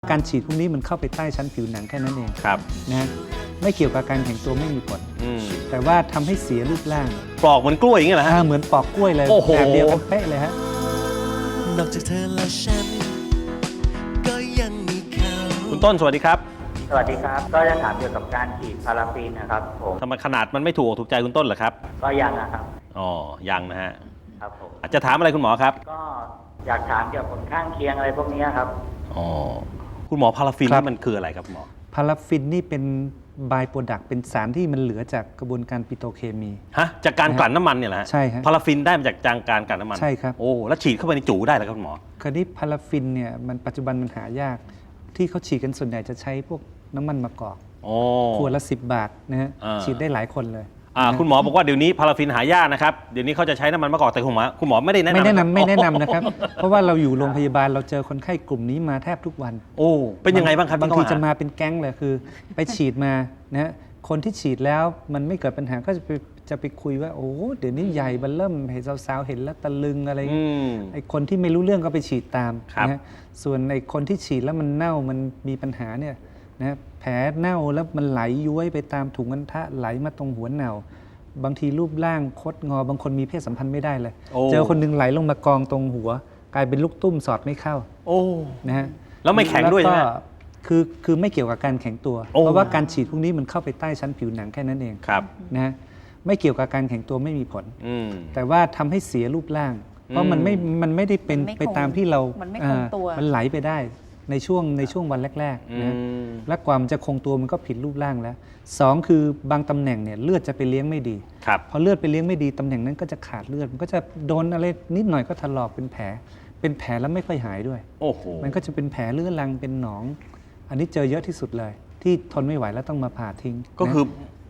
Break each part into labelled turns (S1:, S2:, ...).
S1: การฉีดพวกนี้มันเข้าไปใต้ชั้นผิวหนังแค่นั้นเอง
S2: ครับ
S1: นะไม่เกี่ยวกับการแข็งตัวไม่มีผลแต่ว่าทำให้เสียรูปร่าง
S2: ปลอกเหมือนกล้วยอย่างเงี้ยเหรอฮะ
S1: เหมือนปอกกล้วยเลย
S2: โอ้โห
S1: แบบเดียวกันเป๊ะเลยฮะ
S3: นอกจากเธอและฉันก็ยังมีเขา
S2: คุณต้นสวัสดีครับ
S4: สวัสดีครับ ก็จะถามเกี่ยวกับการฉีดพาราฟินนะครับผม
S2: ทำไมขนาดมันไม่ถูกอกถูกใจคุณต้นเหรอครับ
S4: ก็ยังนะครับ
S2: อ๋อยังนะฮะ
S4: ครับผม
S2: อาจจะถามอะไรคุณหมอครับ
S4: ก็อยากถามเกี่ยวกับผลข้างเคียงอะไรพวกนี้ครับ
S2: อ๋อคุณหมอพาราฟิน
S1: ครับ
S2: นี่มันคืออะไรครับคุณหมอ
S1: พาราฟินนี่เป็นบายโปรดักต์เป็นสารที่มันเหลือจากกระบวนการปิโตรเคมี
S2: ฮะจากการกลั่นน้ำมันเนี่ยแหละ
S1: ใช่ครับ
S2: พาราฟินได้มาจากการกลั่นน้ำมัน
S1: ใช่ครับ
S2: โอ้แล้วฉีดเข้าไปในจูได้เหรอครับคุณหมอ
S1: คราวนี้พาราฟินเนี่ยมันปัจจุบันมันหายาก ที่เขาฉีดกันส่วนใหญ่จะใช้พวกน้ำมันมะกอก
S2: โอ้
S1: ขวดละ10 บาทนะฮะ
S2: อ่า
S1: ฉีดได้หลายคนเลย
S2: คุณหมอบอกว่าเดี๋ยวนี้พาราฟินหายากนะครับเดี๋ยวนี้เขาจะใช้น้ำมันมะกอกแต่คุณหมอไม่ได้แนะนำ
S1: ไม่แนะนำนะครับ เพราะว่าเราอยู่โรงพยาบาลเราเจอคนไข้กลุ่มนี้มาแทบทุกวัน
S2: โอ้เป็นยังไงบ้างครับ
S1: บางที
S2: ที่
S1: จะ
S2: เข้
S1: มาเป็นแก๊งเลยคือ ไปฉีดมานะฮะคนที่ฉีดแล้วมันไม่เกิดปัญหาก็จะไปคุยว่าโอ้เดี๋ยวนี้ใหญ่บันเริ่มเห็นสาวๆเห็นแล้วตะลึงอะไรอย่างเงี้ย ไอ้คนที่ไม่รู้เรื่องก็ไปฉีดตาม
S2: ครับ
S1: นะฮะส่วนไอ้คนที่ฉีดแล้วมันเน่ามันมีปัญหาเนี่ยนะแผลเน่าแล้วมันไหลย้วยไปตามถุงอัณฑะไหลมาตรงหัวเน่าบางทีรูปร่างคดงอบางคนมีเพศสัมพันธ์ไม่ได้เลย
S2: โอ้
S1: เจอคนหนึงไหลลงมากองตรงหัว กลายเป็นลูกตุ้มสอดไม่เข้า
S2: โอ้
S1: นะฮะ
S2: แล้วไม่แข็งด้วยใช่ไหม
S1: แล้ก็คือไม่เกี่ยวกับการแข็งตัว
S2: โอ้
S1: เพราะว่าการฉีดพวกนี้มันเข้าไปใต้ชั้นผิวหนังแค่นั้นเอง
S2: ครับ
S1: นะฮะไม่เกี่ยวกับการแข็งตัวไม่มีผล
S2: อืม
S1: แต่ว่าทำให้เสียรูปร่าง เพราะมันไม่ได้เป็น
S5: มันไม่คง
S1: ไปตามที่เรา
S5: มันไม่คงตัว
S1: มันไหลไปได้ในช่วงวันแรกๆนะ และกว่ามันจะคงตัวมันก็ผิดรูปร่างแล้วสองคือบางตำแหน่งเนี่ยเลือดจะไปเลี้ยงไม่ดี
S2: ครับ
S1: พอเลือดไปเลี้ยงไม่ดีตำแหน่งนั้นก็จะขาดเลือด มันก็จะโดนอะไรนิดหน่อยก็ถลอกเป็นแผลแล้วไม่ค่อยหายด้วย
S2: โอ้โห
S1: มันก็จะเป็นแผลเรื้อรังเป็นหนอง อันนี้เจอเยอะที่สุดเลย ที่ทนไม่ไหวแล้วต้องมาผ่าทิ้ง
S2: ก็คือ
S1: นะ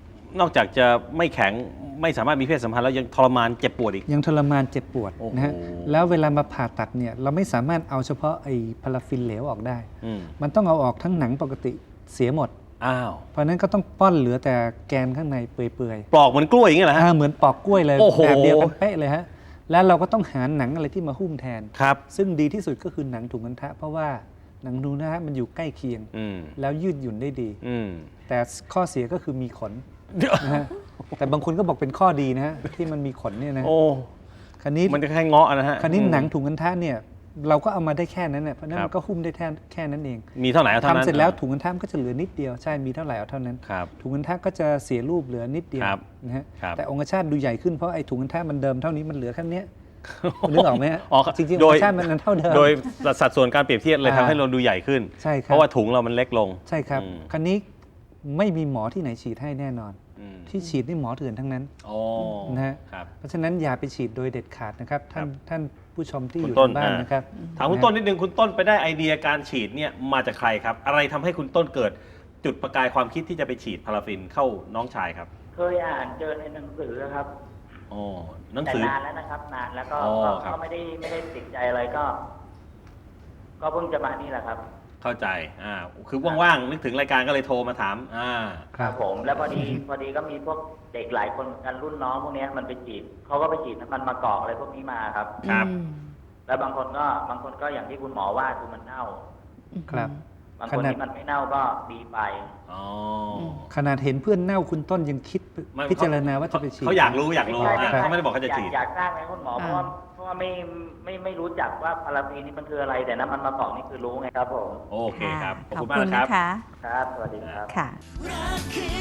S2: นอกจากจะไม่แข็งไม่สามารถมีเพศสัมพันธ์แล้วยังทรมานเจ็บปวดอีก
S1: ยังทรมานเจ็บปวด
S2: โอ้โห
S1: นะฮะแล้วเวลามาผ่าตัดเนี่ยเราไม่สามารถเอาเฉพาะไอ้พาราฟินเหลวออกได้
S2: อืม
S1: มันต้องเอาออกทั้งหนังปกติเสียหมด
S2: อ้าว
S1: เพราะฉะนั้นก็ต้องป้อนเหลือแต่แกนข้างในเปื่อย
S2: ปลอกเหมือนกล้วยอย่างเงี้ยเหรอฮะ
S1: เหมือนปอกกล้วยเลย
S2: โอ้โห
S1: แบบเดียวกันเป๊ะเลยฮะแล้วเราก็ต้องหาหนังอะไรที่มาหุ้มแทน
S2: ครับ
S1: ซึ่งดีที่สุดก็คือหนังถุงอัณฑะเพราะว่าหนังถุงอัณฑะมันอยู่ใกล้เคียง
S2: อืม
S1: แล้วยืดหยุ่นได้ดี
S2: อืม
S1: แต่ข้อเสียก็คือมีขนนะฮะแต่บางคนก็บอกเป็นข้อดีนะฮะที่มันมีขนเนี่ยนะ
S2: โอ้
S1: คราวนี้
S2: มันจะแค่เงาะนะฮะ
S1: คราวนี้หนังถุงอัณฑะเนี่ยเราก็เอามาได้แค่นั้นเนี่ยเพราะฉะนั้น
S2: ครับ
S1: มันก็หุ้มได้แค่นั้นเอง
S2: มีเท่าไหร่เอาเท่านั้น
S1: ทำเสร็จแล้วถุงอัณฑะมันก็จะเหลือนิดเดียวใช่มีเท่าไหร่เอาเท่านั้น
S2: ครับ
S1: ถุงอัณฑะก็จะเสียรูปเหลือนิดเดียว
S2: ครับ
S1: นะฮะ
S2: ครับ
S1: แต่องคชาตดูใหญ่ขึ้นเพราะไอ้ถุงอัณฑะมันเดิมเท่านี้มันเหลือแค่เนี้ย นึกออกไหมฮะ
S2: อ๋อ
S1: จริงๆ
S2: โด
S1: อง
S2: ย
S1: คชาตมันเท่าเดิม
S2: โดยสัดส่วนการเปรียบเทียบเลยทำให้เราดูใหญ่ขึ้น
S1: ใช่ครับ
S2: เพราะว่าถุงเรามันเล็กลง
S1: ใช่ครับ
S2: อืม
S1: คราวนี้ไม่มีหมอที่ไหนฉีดให้แน่นอน
S2: อืม
S1: ที่ฉีดนี่หมอเถื่อนทั้งนั้น
S2: โอ้
S1: นะฮะ
S2: ครับ
S1: เพราะฉะนั้นอย่าไปฉีดโดยเด็ดขาดนะครับท่านผู้ชมที่
S2: คุ
S1: อ
S2: ณ
S1: ยู่
S2: ต้น
S1: ทางบ้านนะครับ
S2: ถามคุณต้นนิดนึงคุณต้นไปได้ไอเดียการฉีดเนี่ยมาจากใครครับ อะไรทำให้คุณต้นเกิดจุดประกายความคิดที่จะไปฉีดพาราฟินเข้าน้องชายครับ
S4: เคยอ่านเจอในหนังสือครับ
S2: อ๋อหนัง
S4: แต่
S2: สือ
S4: นานแล้วนะครับ นานแล้วก็
S2: อ๋อ
S4: ก็
S2: ครับ
S4: ก็ไม่ได้ติดใจอะไรก็เพิ่งจะมานี่แหละครับ
S2: เข้าใจคือว่างๆนึกถึงรายการก็เลยโทรมาถาม
S1: ครับ
S4: ผม แล้วพอดีก็มีพวกเด็กหลายคนเหมือนกันรุ่นน้องพวกเนี้ยมันไปฉีดเขาก็ไปฉีดน้ำมันมะกอกอะไรพวกนี้มาครับ
S2: ครับ
S4: แล้วบางคนก็อย่างที่คุณหมอว่าคือมันเน่า
S1: ครับ
S4: บางคนที่มันไม่เน่าก็ดีไป
S2: อ๋อ
S1: ขนาดเห็นเพื่อนเน่าคุณต้นยังคิด
S2: ไม่
S1: พิจารณาว่าจะไปฉีด
S2: เขาอยากรู้อยากรู้
S4: ไม่ใช่
S2: เขาไม่ได้บอกเขาจะฉีด
S4: อยากทราบไหมคุณหมอเพราะว่าไม่รู้จักว่าพาราฟีนนี่มันคืออะไร แต่น้ำมันมะกอกนี่คือรู้ไงครับผม
S2: โอเคครับ ขอบ
S5: ขอบ
S2: คุณมาก
S5: คุณ
S2: นะครับ
S5: นะคะ
S4: ครับ สวัสดีครับ
S5: ค่ะ
S3: รักคือ